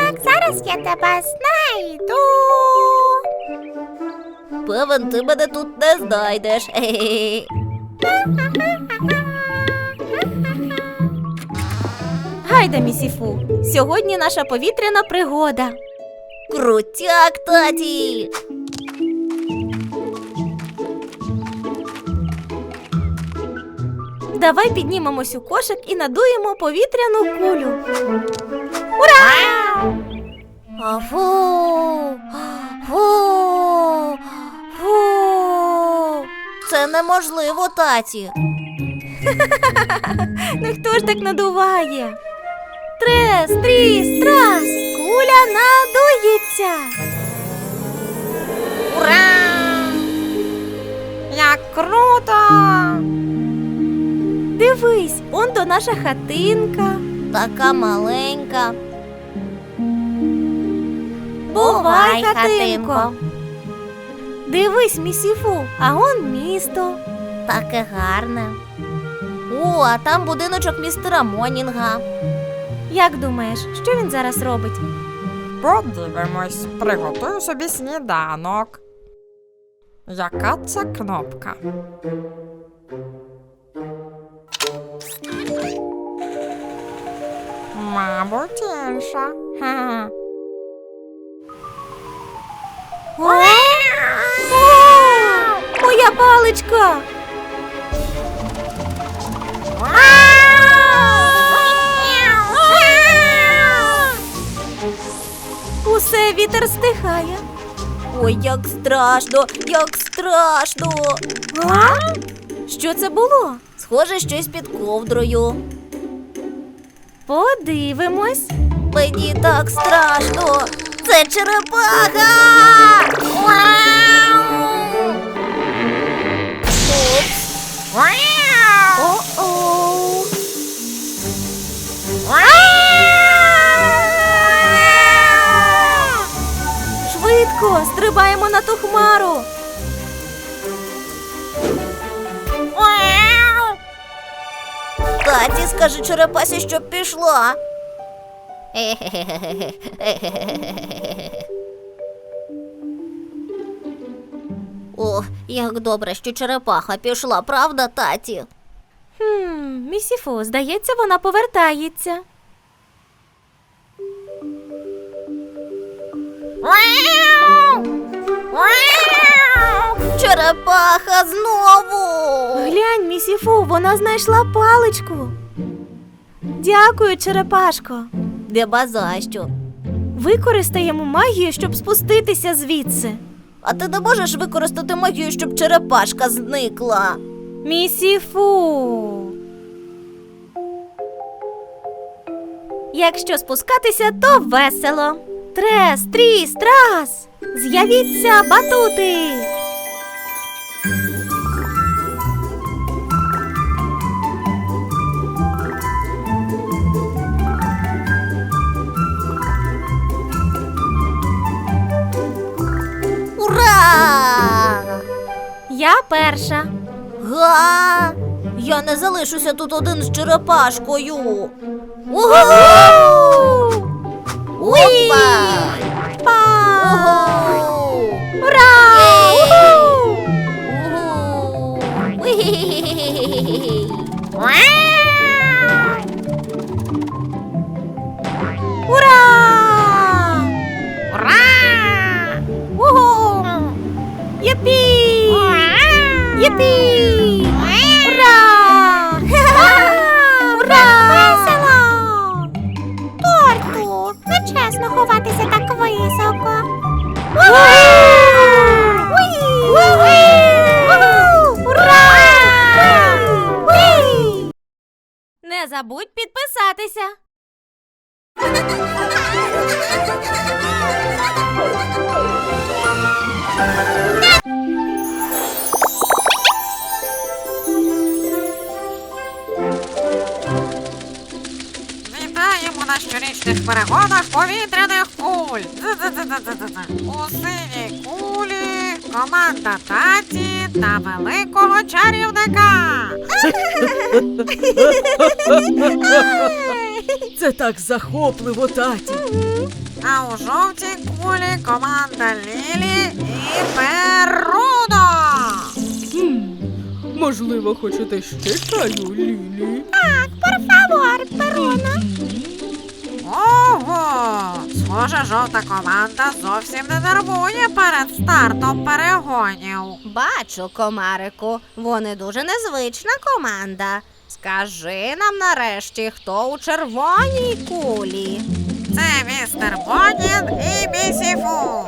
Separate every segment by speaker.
Speaker 1: Так, зараз я тебе знайду.
Speaker 2: Певен, ти мене тут не знайдеш. Хе-хе.
Speaker 3: Гайда, Місіфу, сьогодні наша повітряна пригода.
Speaker 2: Крутяк, таті!
Speaker 3: Давай піднімемось у кошик і надуємо повітряну кулю. Ура!
Speaker 2: Фу! Фу! Фу! Це неможливо, таті.
Speaker 3: Ну хто ж так надуває? Трес, тріс, трас, куля надується.
Speaker 1: Ура! Як круто!
Speaker 3: Дивись, он то наша хатинка.
Speaker 2: Така маленька.
Speaker 3: Бувай, хатинко. Дивись, Місіфу, а он місто.
Speaker 2: Таке гарне. О, а там будиночок містера Монінга.
Speaker 3: Як думаєш, що він зараз робить?
Speaker 1: Подивимось, приготую собі сніданок. Яка це кнопка? Мабуть, інша. Ха-ха.
Speaker 3: О, моя паличка! Усе, вітер стихає.
Speaker 2: Ой, як страшно, як страшно.
Speaker 3: А? Що це було?
Speaker 2: Схоже, щось під ковдрою.
Speaker 3: Подивимось.
Speaker 2: Мені так страшно. Це черепаха! Упс.
Speaker 3: О-оу. Швидко, стрибаємо на ту хмару.
Speaker 2: Таті, скажи черепасі, щоб пішла. О, як добре, що черепаха пішла, правда, таті?
Speaker 3: Місіфу, здається, вона повертається.
Speaker 2: Черепаха знову!
Speaker 3: Глянь, Місіфу, вона знайшла паличку. Дякую, черепашко.
Speaker 2: Нема за що.
Speaker 3: Використаємо магію, щоб спуститися звідси.
Speaker 2: А ти не можеш використати магію, щоб черепашка зникла?
Speaker 3: Місіфу. Якщо спускатися, то весело. Трес, тріс, трас. З'явіться батути.
Speaker 2: Ура!
Speaker 3: Я перша.
Speaker 2: Га! Я не залишуся тут один з черепашкою. Угу! Опа!
Speaker 3: Па!
Speaker 2: Угу!
Speaker 3: Ура! Уху!
Speaker 2: Угу! Уі-хі-хі-хі-хі-хі-хі!
Speaker 3: Ура!
Speaker 1: Ура!
Speaker 3: Угу! Єпі! Єпі! Ура! Ура!
Speaker 1: Весело! Торту, нечесно ховатися так високо.
Speaker 3: Ура! Не забудь підписатися.
Speaker 1: Вітаємо на щорічних перегонах повітряних куль. У синій кулі команда таті та великого чарівника.
Speaker 4: Це так захопливо, таті.
Speaker 1: А у жовтій кулі команда Лілі і Перуно.
Speaker 4: Можливо, хочете ще чаю, Лілі?
Speaker 1: Ого! Схоже, жовта команда зовсім не нервує перед стартом перегонів.
Speaker 2: Бачу, комарику, вони дуже незвична команда. Скажи нам нарешті, хто у червоній кулі?
Speaker 1: Це містер Бонін і Місіфу.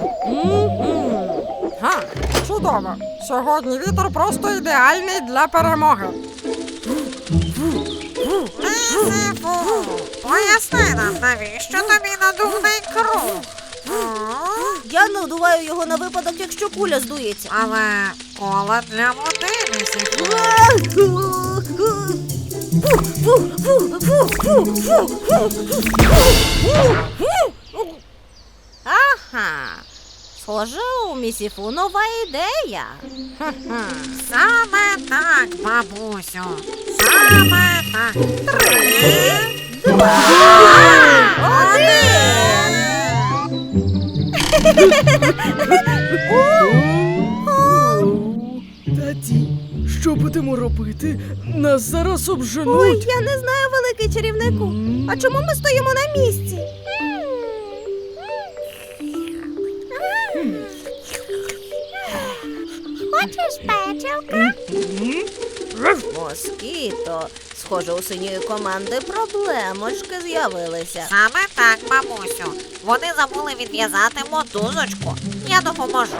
Speaker 4: Га, чудово. Сьогодні вітер просто ідеальний для перемоги.
Speaker 1: Місіфу, поясни нам, навіщо тобі надувний круг?
Speaker 2: Я надуваю його на випадок, якщо куля здується.
Speaker 1: Але кола для води, Місіфу.
Speaker 2: Ага. Схоже, у Місіфу нова ідея.
Speaker 1: Саме так, бабусю. Саме так. 3, 2,
Speaker 2: 1.
Speaker 4: Таті, що будемо робити? Нас зараз
Speaker 2: Ой,
Speaker 4: обженуть.
Speaker 2: я не знаю, великий чарівнику. А чому ми стоїмо на місці? Хочеш печивка? Москіто, схоже, у синьої команди проблемочки з'явилися.
Speaker 1: Саме так, бабусю. Вони забули відв'язати мотузочку. Я допоможу.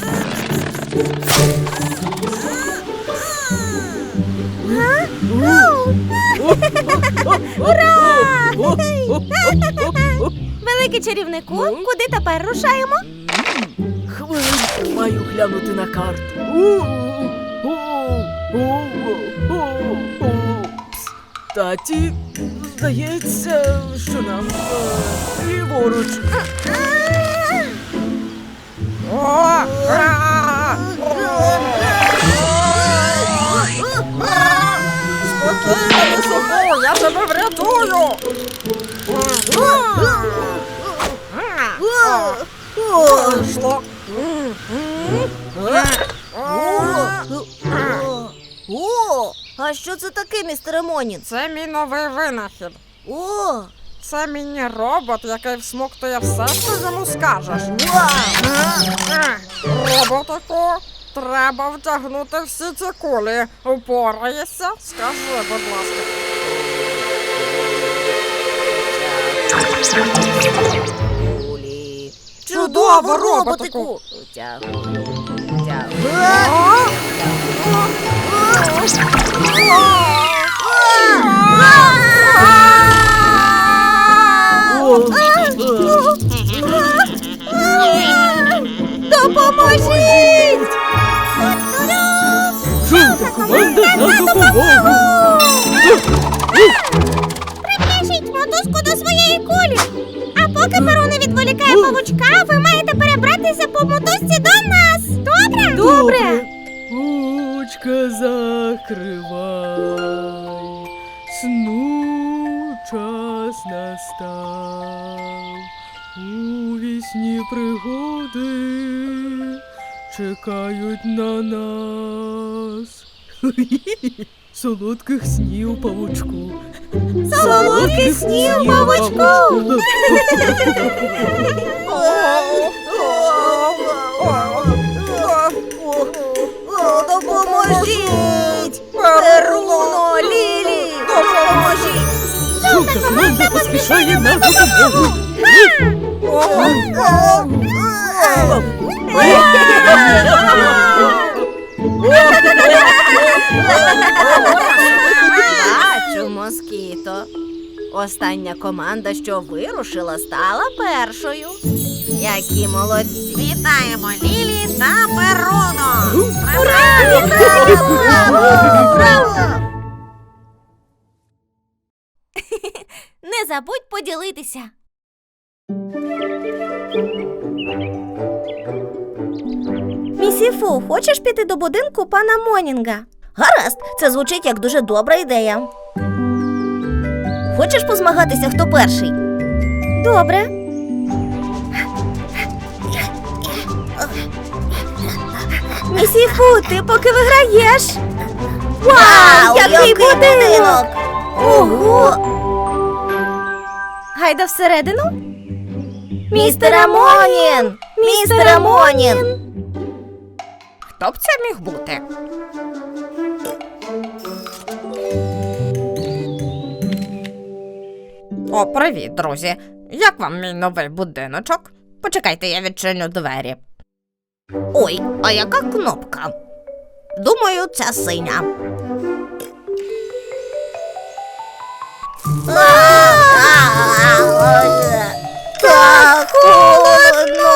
Speaker 2: Великий чарівнику, куди тепер рушаємо?
Speaker 4: Хвилинку, маю глянути на карту. Пс, Таті, здається, що нам ліворуч. Спокійно, Місіфу, я тебе врятую. Вийшло.
Speaker 2: О, а що це таке, містере Монін?
Speaker 4: Це мій новий винахід.
Speaker 2: О,
Speaker 4: Це міні-робот, який всмоктує все, що йому скажеш. Роботику, треба втягнути всі ці кулі. Упораєшся? Скажи, будь ласка.
Speaker 2: кулі.
Speaker 4: Чудово, роботику!
Speaker 2: Тягую. Допоможіть!
Speaker 4: Жовта команда на допомогу!
Speaker 2: Прив'яжіть мотузку до своєї кулі. А поки Перуно відволікає павучка, ви маєте перебратися по мотузці до нас. Добре?
Speaker 4: Добре. Очка закривай, сну час настав. У вісні пригоди чекають на нас. Солодких снів, павучку.
Speaker 2: Солодких снів, павучку. Допоможіть! Перуно, Лілі! Допоможіть!
Speaker 4: Жовта команда поспішає на допомогу.
Speaker 2: Бачу, Москіто. Остання команда, що вирушила, стала першою. Які молодці!
Speaker 1: Вітаємо Лілі та Перуно!
Speaker 2: Не забудь поділитися. Місіфу, хочеш піти до будинку пана Монінга? Гаразд, це звучить як дуже добра ідея. Хочеш позмагатися, хто перший? Добре.
Speaker 3: Місіфу, ти поки виграєш. Вау, який будинок! Ого! Гайда всередину. Містер Амонін! Містер Амонін!
Speaker 4: Хто б це міг бути? О, привіт, друзі. Як вам мій новий будиночок? Почекайте, я відчиню двері. Ой, а яка кнопка? Думаю, ця синя. Так холодно.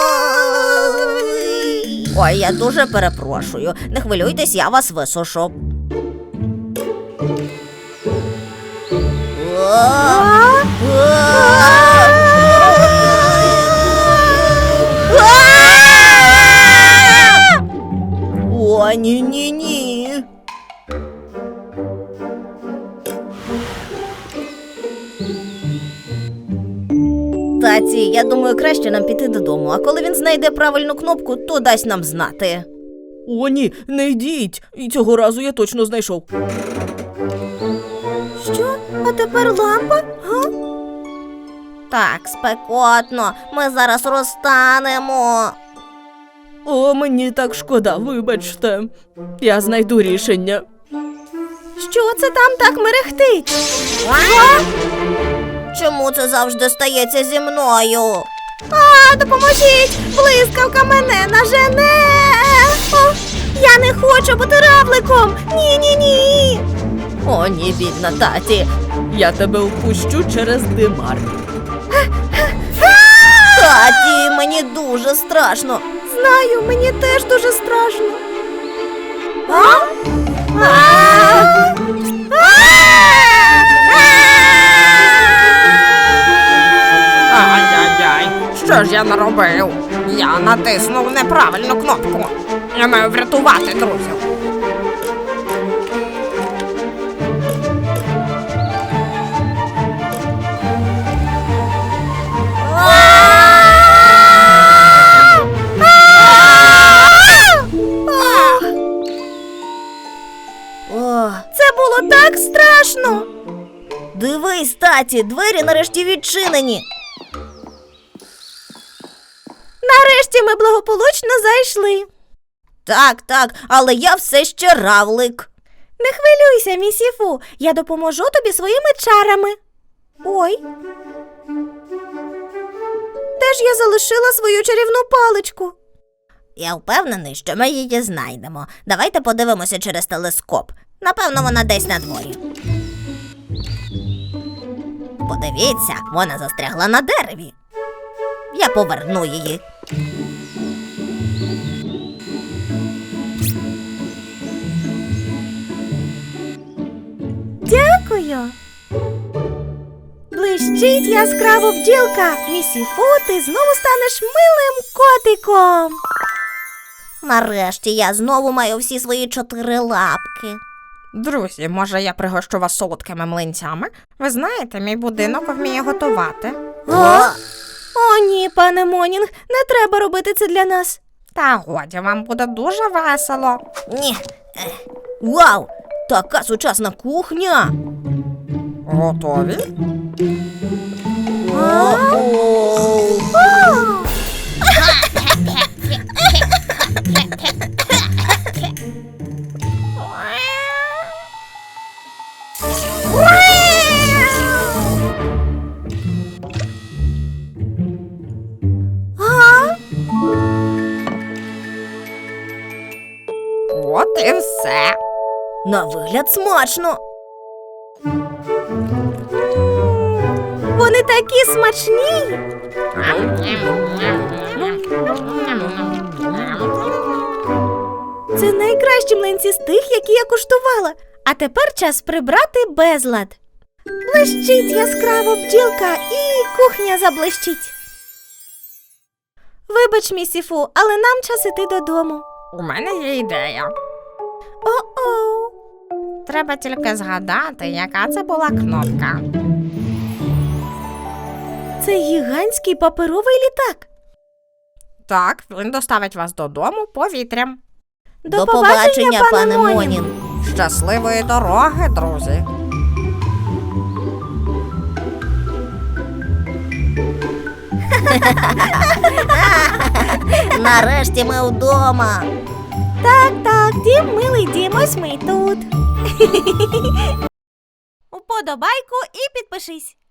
Speaker 4: Ой, я дуже перепрошую. Не хвилюйтесь, я вас висушу. О, ні-ні-ні. Таті, я думаю, краще нам піти додому, а коли він знайде правильну кнопку, то дасть нам знати.
Speaker 5: О, ні, не йдіть. І цього разу я точно знайшов.
Speaker 3: Що? А тепер лампа? Га?
Speaker 2: Так, спекотно. Ми зараз розтанемо.
Speaker 5: О, мені так шкода, вибачте. Я знайду рішення.
Speaker 3: Що це там так мерехтить?
Speaker 2: Чому це завжди стається зі мною?
Speaker 3: А, допоможіть! Блискавка мене нажене! О, я не хочу бути равликом! Ні-ні-ні!
Speaker 5: О, ні, бідна таті. Я тебе впущу через димар.
Speaker 2: Таті, мені дуже страшно.
Speaker 3: Знаю, мені теж дуже страшно.
Speaker 4: Ай-яй-яй, що ж я наробив? Я натиснув неправильну кнопку. Я маю врятувати друзів.
Speaker 2: О,
Speaker 3: Це було так страшно!
Speaker 2: дивись, таті, двері нарешті відчинені.
Speaker 3: Нарешті ми благополучно зайшли.
Speaker 2: Так, але я все ще равлик.
Speaker 3: Не хвилюйся, місіфу, я допоможу тобі своїми чарами. Ой. Де ж я залишила свою чарівну паличку?
Speaker 2: Я впевнений, що ми її знайдемо. Давайте подивимося через телескоп. Напевно, вона десь на дворі. Подивіться, вона застрягла на дереві. Я поверну її.
Speaker 3: Дякую. Блищить яскраво бджілка. Місіфу, ти знову станеш милим котиком.
Speaker 2: Нарешті я знову маю всі свої 4 лапки.
Speaker 4: Друзі, може я пригощу вас солодкими млинцями? Ви знаєте, мій будинок вміє готувати.
Speaker 3: О, ні, пане Монінг, не треба робити це для нас.
Speaker 4: Та годі, вам буде дуже весело.
Speaker 2: Ні. Вау! Така сучасна кухня!
Speaker 4: Готові? От і все.
Speaker 2: На вигляд смачно.
Speaker 3: Вони такі смачні. Це найкращі млинці з тих, які я куштувала. А тепер час прибрати безлад. Блищить яскраво бджілка і кухня заблищить. Вибач, місіфу, але нам час іти додому.
Speaker 4: У мене є ідея.
Speaker 3: О-оу.
Speaker 4: Треба тільки згадати, яка це була кнопка.
Speaker 3: Це гігантський паперовий літак.
Speaker 4: Так, він доставить вас додому повітрям.
Speaker 3: До побачення, пане Монін.
Speaker 1: Щасливої дороги, друзі.
Speaker 4: Нарешті ми вдома.
Speaker 3: Так, дім, милий дім, ось ми й тут. Уподобайку і підпишись.